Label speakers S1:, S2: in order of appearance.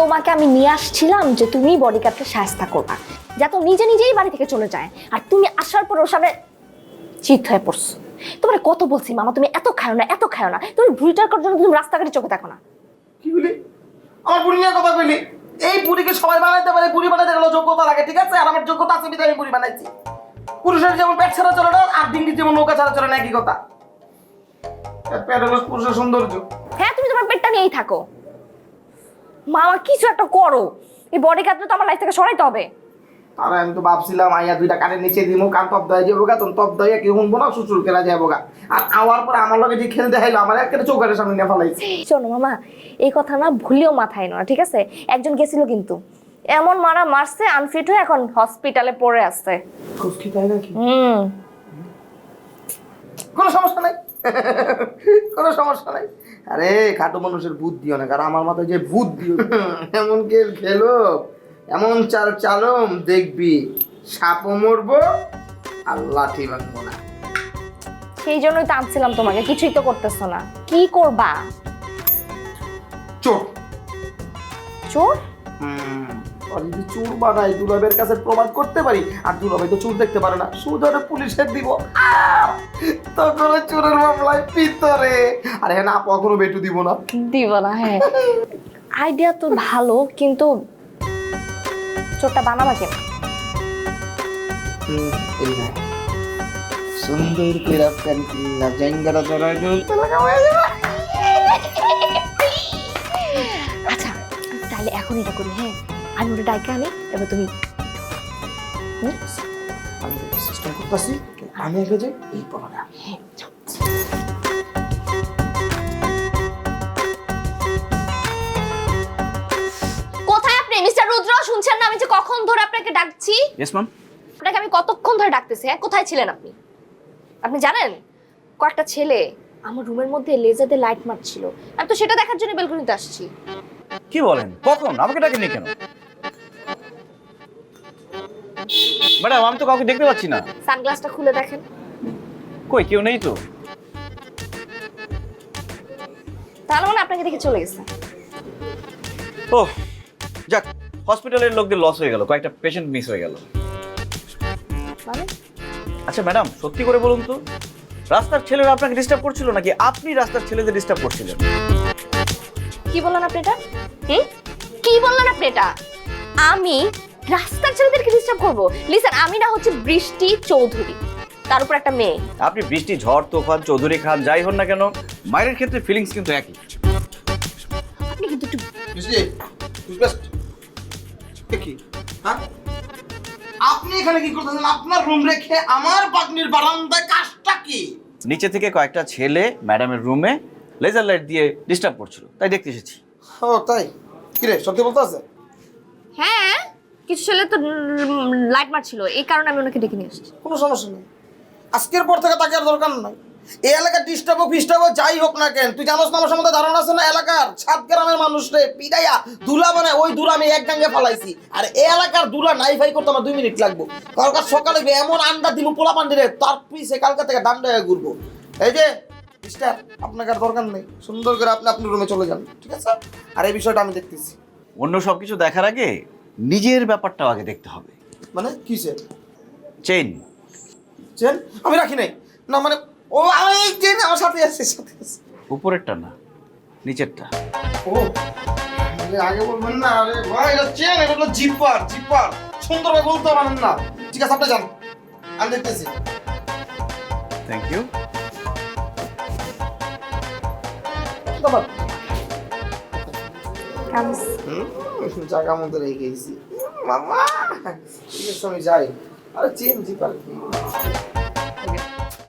S1: তোমাকে আমি নিয়ে আসছিলাম যে তুমি বডিগার্ডকে সাহায্য করবা, যাতে নিজে নিজেই বাড়ি থেকে চলে যায়। আর তুমি আসার পর ওর সামনে চিত হয়ে পড়ছো। তোমার কত বলছি মামা তুমি এত খাও না, এত খাও না, তুমি ভুড়িটার জন্য তুমি রাস্তাঘাটে চোখে দেখো না।
S2: কি বলি? আমার বুড়ি নিয়ে কথা বলি? এই বুড়িকে সবাই বানাইতে পারে, বুড়ি বানাইতে গেলে যোগ্যতা লাগে, ঠিক আছে? আর আমার যোগ্যতা আছে বিধায় আমি বুড়ি বানাইছি। পুরুষের যেমন পেট ছাড়া চলে না, আর ডিঙ্গির যেমন নৌকা ছাড়া চলে না, একই কথা। পেট হলো পুরুষের সৌন্দর্য।
S1: হ্যাঁ তুমি তোমার পেটটা নিয়েই থাকো, মামা কিছু একটা করো, এই বডিগার্ডটা তো আমার লাইফ থেকে সরাইতে হবে।
S2: আর আমি তো ভাবছিলাম আইয়া দুইটা কানের নিচে দিমু, কান তপ দেয় যাবো গা, তখন তপ দেয় কেউ শুনবো না, শ্বশুর কেলা যাবো গা। আর আওয়ার পরে আমার লগে যে খেলতে হাইলো, আমার একটা চোখের সামনে নিয়ে ফেলাইছে।
S1: শোনো মামা, এই কথা না ভুলেও মাথায় না, ঠিক আছে? একজন গেছিল কিন্তু এমন মারা মারছে, আনফিট হয়ে এখন হসপিটালে পড়ে আছে।
S2: খুশকি তাই নাকি? কোনো সমস্যা নাই, কোনো সমস্যা নাই। আরে খাটো মানুষের বুদ্ধি অনেক, আর আমার মাথায় যে বুদ্ধি, এমন খেল খেলো, এমন চাল চালম দেখবি সাপও মরবো আর লাঠি ভাঙবো না।
S1: সেই জন্যই তো আনছিলাম তোমাকে, কিছুই তো করতেছো না, কি করবা?
S2: চোর
S1: চোর?
S2: আর যদি চোর বানাই, দুলাবের কাছে প্রমাণ করতে পারি, আর দুলাভাই তো চোর দেখতে পারে না, সুদরে পুলিশের দিব, তখন চোরের মামলায় ভিতরে। আর হ্যাঁ না, কখনো বেটু দিব না।
S1: দিব না? হ্যাঁ, আইডিয়া তো ভালো, কিন্তু চোরটা বানাবা কেন?
S2: এই না, সুন্দর করে প্যান্ট কিনলা, জাঙ্গাটা ধরাই দিন,
S1: আচ্ছা তাহলে এখন এটা করি, হ্যাঁ আমি ওটা ডাইকা আনি, এবার তুমি
S2: আমি সিস্টেম করতেছি, আমি আগে যাই, এই পড়া।
S1: কোথায় আপনি মিস্টার রুদ্র? শুনছেন না আমি যে কখন ধরে আপনাকে ডাকছি?
S3: Yes ma'am.
S1: আপনাকে আমি কতক্ষণ ধরে ডাকতেছি, হ্যাঁ কোথায় ছিলেন আপনি? আপনি জানেন কয়েকটা ছেলে আমার রুমের মধ্যে লেজার দিয়ে লাইট মারছিল, আমি তো সেটা দেখার জন্য বেলকনিতে আসছি।
S3: কি বলেন? কখন? আমাকে ডাকেননি কেন? ম্যাডাম আমি তো কাউকে দেখতে পাচ্ছি না।
S1: সানগ্লাসটা খুলে দেখেন।
S3: কই, কেউ নেই তো।
S1: তাহলে মানে আপনাকে দেখে চলে গেছে।
S3: ও যাক, হসপিটালের লোকদের লস হয়ে গেল, কয়েকটা পেশেন্ট মিস হয়ে গেল।
S1: মানে
S3: আচ্ছা ম্যাডাম, সত্যি করে বলুন তো, রাস্তার ছেলেরা আপনাকে ডিস্টার্ব করছিল নাকি আপনি রাস্তার ছেলেদের ডিস্টার্ব করছিলেন?
S1: কি বললেন আপনি এটা? কি বললেন আপনি এটা? আমি রাস্তার ছেলেদেরকে ডিস্টার্ব করবো? লিসেন, আমি না হচ্ছে বৃষ্টি চৌধুরী, তার উপর একটা মেয়ে।
S3: আপনি বৃষ্টি, ঝড়, তুফান, চৌধুরী খান, যাই হন না কেন, মায়ের ক্ষেত্রে ফিলিংস কিন্তু একই।
S1: আপনি কিন্তু একটু
S2: কি হ্যাঁ, আপনি এখানে কি করতেছেন? আপনার রুম রেখে আমার পাগনির বারান্দায় কাজটা কি?
S3: নিচে থেকে কয়েকটা ছেলে ম্যাডামের রুমে লেজার লাইট দিয়ে ডিস্টার্ব করছিল, তাই দেখতে এসেছি।
S2: ও তাই? কি রে, সত্যি বলতে আছে?
S1: হ্যাঁ, কিছু ছেলে তো লাইট মারছিল, এই কারণে আমি ওনাকে ডেকে নিয়ে আসছি।
S2: কোনো সমস্যা নেই, আজকের পর থেকে তাকে আর দরকার নাই। এই এলাকার ডিস্টার্ব হোক ফিস্টার্ব হোক যাই হোক না কেন, তুই জানোস না আমার সম্বন্ধে ধারণা আছে না? এলাকার 7 গ্রামের মানুষ রে পিড়াইয়া দুলা বানায়, ওই দুলা আমি এক গাঙ্গে ফালাইছি। আর এই এলাকার দুলা নাই ফাই করতে আমার 2 মিনিট লাগবো। কালকার সকালে এমন আন্ডা দিল পোলা পান্ডিরে, তার পিছে কালকা থেকে ডান্ডা হয়ে ঘুরবো। এই যে মিস্টার, আপনাকে আর দরকার নেই, সুন্দর করে আপনি আপনার রুমে চলে যান, ঠিক আছে? আর এই বিষয়টা আমি দেখতেছি।
S3: অন্য সবকিছু দেখার আগে নিজের ব্যাপারটাও আগে দেখতে হবে।
S2: মানে কিসের
S3: চেইন
S2: চেন? আমি রাখি নাই না, মানে ও আমি চেন আমার সাথে আছে, সাথে আছে।
S3: উপরেরটা না, নিচেরটা।
S2: ও আগে বলবেন না? আরে ভাই এটা চেন, এটা হলো জিপার, জিপার সুন্দরভাবে বলতে পারেন না। ঠিক আছে আপনি যান, আমি দেখতেছি।
S3: Thank you.
S2: বাবা
S1: কামিজ
S2: জায়গা মতো রেখে গেছি মামা। ঠিক আছে আমি যাই। আরে চেন জিপার কি